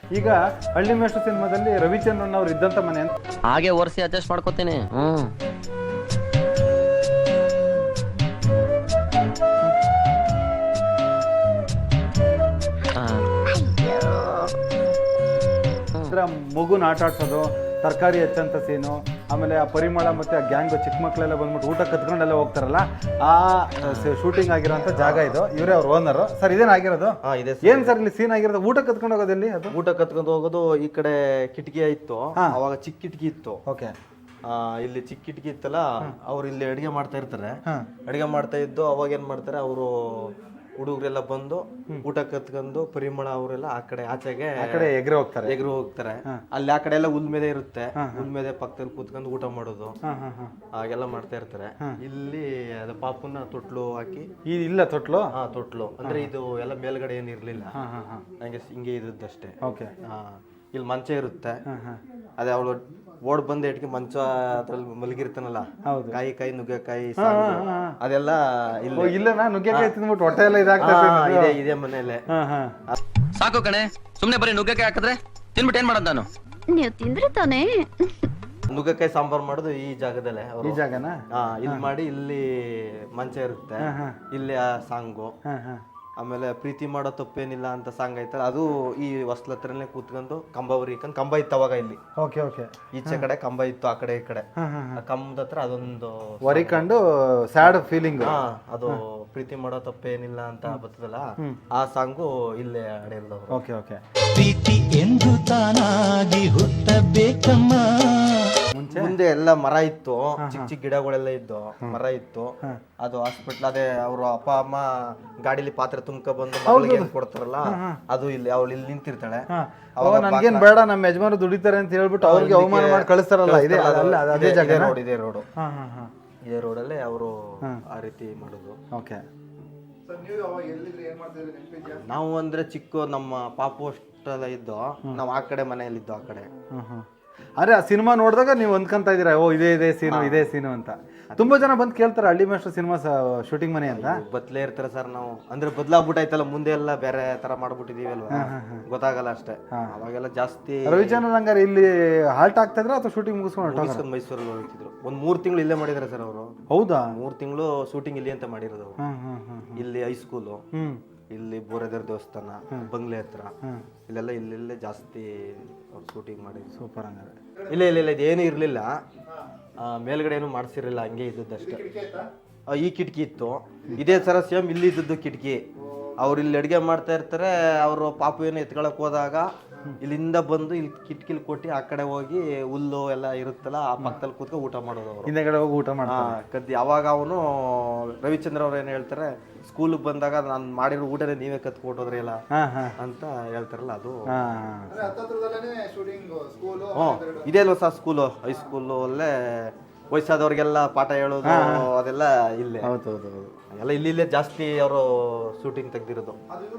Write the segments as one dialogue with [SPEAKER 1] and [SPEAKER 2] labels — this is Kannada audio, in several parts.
[SPEAKER 1] ಈಗ ಹಳ್ಳಿ ಮೇಷ್ಟ್ರು ಸಿನಿಮಾದಲ್ಲಿ ರವಿಚಂದ್ರನ್ ಅವ್ರು ಇದ್ದಂತ ಮನೆ ಅಂತ
[SPEAKER 2] ಹಾಗೆ ಒರೆಸಿ ಅಡ್ಜಸ್ಟ್ ಮಾಡ್ಕೋತೀನಿ.
[SPEAKER 1] ಮಗುನ ಆಟ ಆಡ್ಸೋದು, ತರಕಾರಿ ಹೆಚ್ಚಂತ ಸೀನು, ಆಮೇಲೆ ಆ ಪರಿಮಳ ಮತ್ತೆ ಆ ಗ್ಯಾಂಗ್ ಚಿಕ್ಕ ಮಕ್ಕಳೆಲ್ಲ ಬಂದ್ಬಿಟ್ಟು ಊಟ ಕತ್ಕೊಂಡೆಲ್ಲ ಹೋಗ್ತಾರಲ್ಲ, ಆ ಶೂಟಿಂಗ್ ಆಗಿರೋಂಥ ಜಾಗ ಇದು. ಇವರೇ ಅವ್ರ ಓನರ್ ಸರ್. ಇದೇನಾಗಿರೋದು? ಏನ್ ಸರ್ ಇಲ್ಲಿ ಸೀನ್ ಆಗಿರೋದು? ಊಟ ಕತ್ಕೊಂಡು ಹೋಗೋದಲ್ಲಿ ಅದು
[SPEAKER 3] ಊಟ ಕತ್ಕೊಂಡು ಹೋಗೋದು. ಈ ಕಡೆ ಕಿಟಕಿ ಇತ್ತು, ಅವಾಗ ಚಿಕ್ಕ ಕಿಟಕಿ ಇತ್ತು.
[SPEAKER 1] ಓಕೆ.
[SPEAKER 3] ಇಲ್ಲಿ ಚಿಕ್ಕ ಕಿಟಕಿ ಇತ್ತಲ್ಲ, ಅವ್ರು ಇಲ್ಲಿ ಅಡಿಗೆ ಮಾಡ್ತಾ ಇರ್ತಾರೆ. ಅಡಿಗೆ ಮಾಡ್ತಾ ಇದ್ದು ಅವಾಗ ಏನ್ ಮಾಡ್ತಾರೆ, ಅವರು ಹುಡುಗರೆಲ್ಲ ಬಂದು ಊಟ ಕತ್ಕೊಂಡು ಪರಿಮಳ ಅವರೆಲ್ಲ ಆ ಕಡೆ ಆಚೆಗೆ
[SPEAKER 1] ಎಗ್ರೆ
[SPEAKER 3] ಹೋಗ್ತಾರೆ. ಅಲ್ಲಿ ಆ ಕಡೆ ಎಲ್ಲ ಹುಲ್ ಮೇಲೆ ಇರುತ್ತೆ, ಹುಲ್ ಮೇಲೆ ಪಕ್ಕದಲ್ಲಿ ಕೂತ್ಕೊಂಡು ಊಟ ಮಾಡೋದು ಹಾಗೆಲ್ಲ ಮಾಡ್ತಾ ಇರ್ತಾರೆ. ಇಲ್ಲಿ ಅದು ಪಾಪುನ ತೊಟ್ಲು ಹಾಕಿ
[SPEAKER 1] ಇಲ್ಲ ತೊಟ್ಲು
[SPEAKER 3] ತೊಟ್ಲು ಅಂದ್ರೆ ಇದು ಎಲ್ಲ ಮೇಲ್ಗಡೆ ಏನ್ ಇರ್ಲಿಲ್ಲ, ಹಿಂಗೆ ಇದ್ದಷ್ಟೇ. ಇಲ್ಲಿ ಮಂಚ ಇರುತ್ತೆ. ಅದೇ ಅವಳು ಓಡ್ ಬಂದ ಇಟ್ಕೆ ಮಂಚ ಅದ್ರಲ್ಲಿ ಮಲಗಿರ್ತಾನಲ್ಲ, ಕಾಯಿ ನುಗ್ಗೆಕಾಯಿ ಅದೆಲ್ಲ
[SPEAKER 1] ಇಲ್ಲ ನುಗ್ಗೆಕಾಯಿ ತಿಂದ್ಬಿಟ್ಟು ಹೊಟ್ಟೆ ಎಲ್ಲ ಇದಾಗ್ತದೆ.
[SPEAKER 3] ಇದೇ ಮನೇಲೆ.
[SPEAKER 2] ಸಾಕು ಕಣೆ, ಸುಮ್ನೆ ಬರೀ ನುಗ್ಗೆಕಾಯಿ ಹಾಕಿದ್ರೆ ತಿನ್ಬಿಟ್ಟು ಏನ್ ಮಾಡೋದು ನಾನು?
[SPEAKER 4] ನೀವು ತಿಂದ್ರೆ ತಾನೇ.
[SPEAKER 3] ನುಗ್ಗೆಕಾಯಿ ಸಾಂಬಾರ್ ಮಾಡೋದು ಈ ಜಾಗದಲ್ಲೇ.
[SPEAKER 1] ಈ ಜಾಗನ
[SPEAKER 3] ಇಲ್ಲಿ ಮಾಡಿ, ಇಲ್ಲಿ ಮಂಚ ಇರುತ್ತೆ, ಇಲ್ಲಿ ಆ ಸಾಂಗು. ಆಮೇಲೆ ಪ್ರೀತಿ ಮಾಡೋ ತಪ್ಪೇನಿಲ್ಲ ಅಂತ ಸಾಂಗ್ ಐತಲ್ಲ, ಅದು ಈ ಹೊಸ್ಲ ಹತ್ರನೇ ಕೂತ್ಕೊಂಡು ಕಂಬ ಉರಿಕೊಂಡು, ಕಂಬ ಇತ್ತು ಅವಾಗ ಇಲ್ಲಿ. ಈಚೆ ಕಡೆ ಕಂಬ ಇತ್ತು, ಆ ಕಡೆ ಈ ಕಡೆ. ಆ ಕಂಬದ ಹತ್ರ ಅದೊಂದು
[SPEAKER 1] ವರಿಕೊಂಡು ಸ್ಯಾಡ್ ಫೀಲಿಂಗ್,
[SPEAKER 3] ಅದು ಪ್ರೀತಿ ಮಾಡೋ ತಪ್ಪೇನಿಲ್ಲ ಅಂತ ಬರ್ತದಲ್ಲ, ಆ ಸಾಂಗು ಇಲ್ಲೇ ಹಾಡಿರೋದು.
[SPEAKER 1] Okay okay.
[SPEAKER 5] ಪ್ರೀತಿ ಎಂದು ತಾನಾಗಿ ಹುಟ್ಟಬೇಕಮ್ಮ.
[SPEAKER 3] ಮುಂದೆ ಎಲ್ಲ ಮರ ಇತ್ತು, ಚಿಕ್ಕ ಚಿಕ್ಕ ಗಿಡಗಳೆಲ್ಲ ಇದ್ದು, ಮರ ಇತ್ತು. ಅದು ಹಾಸ್ಪಿಟ್ಲ್, ಅದೇ ಅವರು ಅಪ್ಪ ಅಮ್ಮ ಗಾಡಿಲಿ ಪಾತ್ರೆ ತುಂಬ್ಕ ಬಂದು ಮಗಳಿಗೆ ಕೊಡ್ತಾರಲ್ಲ, ಅದು ಇಲ್ಲಿ ಅವಳು ಇಲ್ಲಿ ನಿಂತಿರ್ತಾಳೆ.
[SPEAKER 1] ಅವಾಗ ನನ್ಗೇನ್ ಬೇಡ, ನಮ್ಮ ಯಜಮಾನ ದುಡಿತಾರೆ ಅಂತ ಹೇಳ್ಬಿಟ್ಟು ಅವ್ರಿಗೆ ಅವಮಾನ ಮಾಡಿ ಕಳಿಸ್ತಾರಲ್ಲ, ಇದೇ ರೋಡ್.
[SPEAKER 3] ಇದೇ ರೋಡಲ್ಲೇ ಅವರು ಆ ರೀತಿ ಮಾಡೋದು.
[SPEAKER 1] ಓಕೆ.
[SPEAKER 3] ನಾವು ಅಂದ್ರೆ ಚಿಕ್ಕ ನಮ್ಮ ಪಾಪು ಅಷ್ಟೆಲ್ಲ ಇದ್ದು, ನಾವು ಆ ಕಡೆ ಮನೆಯಲ್ಲಿದ್ದು ಆ ಕಡೆ.
[SPEAKER 1] ಅರೆ ಆ ಸಿನಿಮಾ ನೋಡಿದಾಗ ನೀವು ಅಂದ್ಕೊಂತ ಇದೀರಾ, ಓ ಇದೇ ಸೀನು ಅಂತ. ತುಂಬಾ ಜನ ಬಂದು ಕೇಳ್ತಾರೆ ಹಳ್ಳಿ ಮೇಷ್ಟ್ರು ಸಿನಿಮಾ ಶೂಟಿಂಗ್ ಮನೆ ಅಂತ.
[SPEAKER 3] ಬದ್ಲೇ ಇರ್ತಾರೆ ಸರ್. ನಾವು ಅಂದ್ರೆ ಬದ್ಲಾಗ್ಬಿಟ್ಟಾಯ್ತಲ್ಲ, ಮುಂದೆ ಎಲ್ಲ ಬೇರೆ ತರ ಮಾಡ್ಬಿಟ್ಟಿದೀವಿ ಅಲ್ವಾ, ಗೊತ್ತಾಗಲ್ಲ ಅಷ್ಟೇ. ಅವಾಗೆಲ್ಲ ಜಾಸ್ತಿ
[SPEAKER 1] ರವಿಚಂದ್ರನ್ ಹಂಗಾರೆ ಇಲ್ಲಿ ಹಾಲ್ಟ್ ಆಗ್ತಾ ಇದ್ರ ಅಥವಾ ಶೂಟಿಂಗ್ ಮುಗಿಸ್ಕೊಂಡು
[SPEAKER 3] ಮೈಸೂರಲ್ಲಿ ಹೋಗ್ತಿದ್ರು. ಒಂದ್ 3 ತಿಂಗಳು ಇಲ್ಲೇ ಮಾಡಿದಾರೆ ಸರ್ ಅವರು.
[SPEAKER 1] ಹೌದಾ?
[SPEAKER 3] 3 ತಿಂಗಳು ಶೂಟಿಂಗ್ ಇಲ್ಲಿ ಅಂತ ಮಾಡಿರೋದು. ಇಲ್ಲಿ ಹೈಸ್ಕೂಲು, ಇಲ್ಲಿ ಬೋರೆದೇವ್ರ ದೇವಸ್ಥಾನ, ಬಂಗ್ಲೆ ಹತ್ರ, ಇಲ್ಲೆಲ್ಲ ಜಾಸ್ತಿ ಶೂಟಿಂಗ್ ಮಾಡಿ.
[SPEAKER 1] ಸೂಪರ್. ಹಂಗಾರೆ
[SPEAKER 3] ಇಲ್ಲ ಇದೇನು ಇರ್ಲಿಲ್ಲ, ಮೇಲ್ಗಡೆ ಏನು ಮಾಡ್ಸಿರ್ಲಿಲ್ಲ, ಹಂಗೆ ಇದ್ದದ್ದಷ್ಟೇ. ಈ ಕಿಟಕಿ ಇತ್ತು, ಇದೇ ತರ ಸೇಮ್ ಇಲ್ಲಿ ಇದ್ದದ್ದು ಕಿಟಕಿ. ಅವ್ರು ಇಲ್ಲಿ ಅಡುಗೆ ಮಾಡ್ತಾ ಇರ್ತಾರೆ, ಅವರು ಪಾಪು ಏನು ಎತ್ಕೊಳಕ್ ಹೋದಾಗ ಇಲ್ಲಿಂದ ಬಂದು ಇಲ್ಲಿ ಕಿಟಕಿಲಿ ಕೊಟ್ಟು ಆ ಕಡೆ ಹೋಗಿ ಹುಲ್ಲು ಎಲ್ಲ ಇರುತ್ತಲ್ಲ, ಆ ಪಕ್ಕದಲ್ಲಿ ಕೂತ್ಕೊಂಡು ಊಟ ಮಾಡೋದು. ಅವರು
[SPEAKER 1] ಹಿಂದೆಗಡೆ ಹೋಗಿ ಊಟ
[SPEAKER 3] ಕದ್ದಿ. ಅವಾಗ ಅವನು ರವಿಚಂದ್ರ ಅವ್ರು ಏನು ಹೇಳ್ತಾರೆ, ಸ್ಕೂಲಿಗೆ ಬಂದಾಗ ನಾನು ಮಾಡಿರೋ ಊಟನೇ ನೀವೇ ಕತ್ಕೊಟ್ಟೋದ್ರಿ ಎಲ್ಲ ಅಂತ ಹೇಳ್ತಾರಲ್ಲ, ಅದು ಇದೇ ಅಲ್ವ ಸರ್ ಸ್ಕೂಲು, ಹೈಸ್ಕೂಲು ಅಲ್ಲೇ ವಯಸ್ಸಾದವ್ರಿಗೆಲ್ಲ ಪಾಠ ಹೇಳೋದು ಅದೆಲ್ಲ ಇಲ್ಲೇ. ಎಲ್ಲ ಇಲ್ಲೇ ಜಾಸ್ತಿ ಅವರು ಶೂಟಿಂಗ್ ತೆಗ್ದಿರೋದು.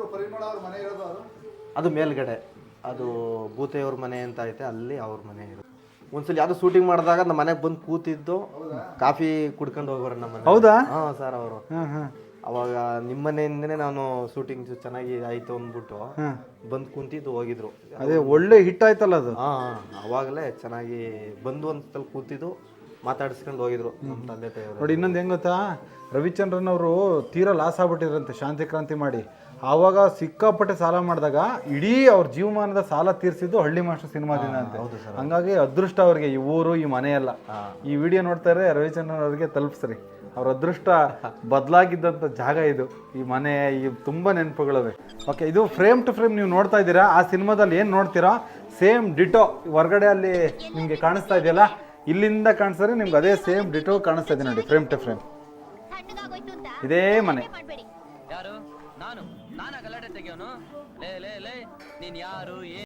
[SPEAKER 3] ಅದು ಮೇಲ್ಗಡೆ, ಅದು ಭೂತೆಯವ್ರ ಮನೆ ಅಂತ ಐತೆ, ಅಲ್ಲಿ ಅವ್ರ ಮನೆ ಇರೋದು. ಒಂದ್ಸಲ ಯಾವ್ದು ಶೂಟಿಂಗ್ ಮಾಡಿದಾಗ ನಮ್ಮ ಮನೆಗೆ ಬಂದು ಕೂತಿದ್ದು, ಕಾಫಿ ಕುಡ್ಕೊಂಡು ಹೋಗೋರು ನಮ್ಮ ಮನೆ.
[SPEAKER 1] ಹೌದಾ?
[SPEAKER 3] ಸರ್ ಅವರು ಅವಾಗ ನಿಮ್ಮ ಮನೆಯಿಂದನೇ ನಾನು ಶೂಟಿಂಗ್ ಚೆನ್ನಾಗಿ ಆಯ್ತು ಅಂದ್ಬಿಟ್ಟು ಬಂದು ಕುಂತಿದ್ದು ಹೋಗಿದ್ರು.
[SPEAKER 1] ಅದೇ ಒಳ್ಳೆ ಹಿಟ್ ಆಯ್ತಲ್ಲ ಅದು.
[SPEAKER 3] ಅವಾಗಲೇ ಚೆನ್ನಾಗಿ ಬಂದು ಒಂದ್ಸಲ ಕೂತಿದ್ದು ಮಾತಾಡಿಸ್ಕೊಂಡು ಹೋಗಿದ್ರು ನಮ್ಮ ತಂದೆ ತಾಯಿಯವರು.
[SPEAKER 1] ನೋಡಿ ಇನ್ನೊಂದು ಹೆಂಗ್ ಗೊತ್ತಾ, ರವಿಚಂದ್ರನ್ ಅವರು ತೀರಾ ಲಾಸ್ ಆಗ್ಬಿಟ್ಟಿದ್ರಂತೆ ಶಾಂತಿ ಕ್ರಾಂತಿ ಮಾಡಿ. ಆವಾಗ ಸಿಕ್ಕಾಪಟ್ಟೆ ಸಾಲ ಮಾಡಿದಾಗ ಇಡೀ ಅವ್ರ ಜೀವಮಾನದ ಸಾಲ ತೀರಿಸಿದ್ದು ಹಳ್ಳಿ ಮಾಸ್ಟರ್ ಸಿನಿಮಾದಿಂದ ಅಂತ. ಹಂಗಾಗಿ ಅದೃಷ್ಟ ಅವ್ರಿಗೆ ಈ ಊರು, ಈ ಮನೆಯಲ್ಲ. ಈ ವಿಡಿಯೋ ನೋಡ್ತಾರೆ ರವಿಚಂದ್ರನ್ ಅವ್ರಿಗೆ ತಲುಪಿಸ್ರಿ. ಅವ್ರ ಅದೃಷ್ಟ ಬದಲಾಗಿದ್ದಂಥ ಜಾಗ ಇದು, ಈ ಮನೆ, ಈ ತುಂಬ ನೆನಪುಗಳಿವೆ. ಓಕೆ, ಇದು ಫ್ರೇಮ್ ಟು ಫ್ರೇಮ್ ನೀವು ನೋಡ್ತಾ ಇದ್ದೀರಾ. ಆ ಸಿನಿಮಾದಲ್ಲಿ ಏನು ನೋಡ್ತೀರಾ ಸೇಮ್ ಡಿಟೋ ಹೊರಗಡೆ ಅಲ್ಲಿ ನಿಮಗೆ ಕಾಣಿಸ್ತಾ ಇದೆಯಲ್ಲ, ಇಲ್ಲಿಂದ ಕಾಣಿಸಿದ್ರೆ ನಿಮ್ಗೆ ಅದೇ ಸೇಮ್ ಡಿಟೋ ಕಾಣಿಸ್ತಾ ಇದೆ ನೋಡಿ, ಫ್ರೇಮ್ ಟು ಫ್ರೇಮ್ ಇದೇ ಮನೆ.
[SPEAKER 2] ಯಾರು? ನಾನು ಗಲಾಟೆ ತೆಗಿಯೋನು? ಲೇ ನೀನ್ ಯಾರು?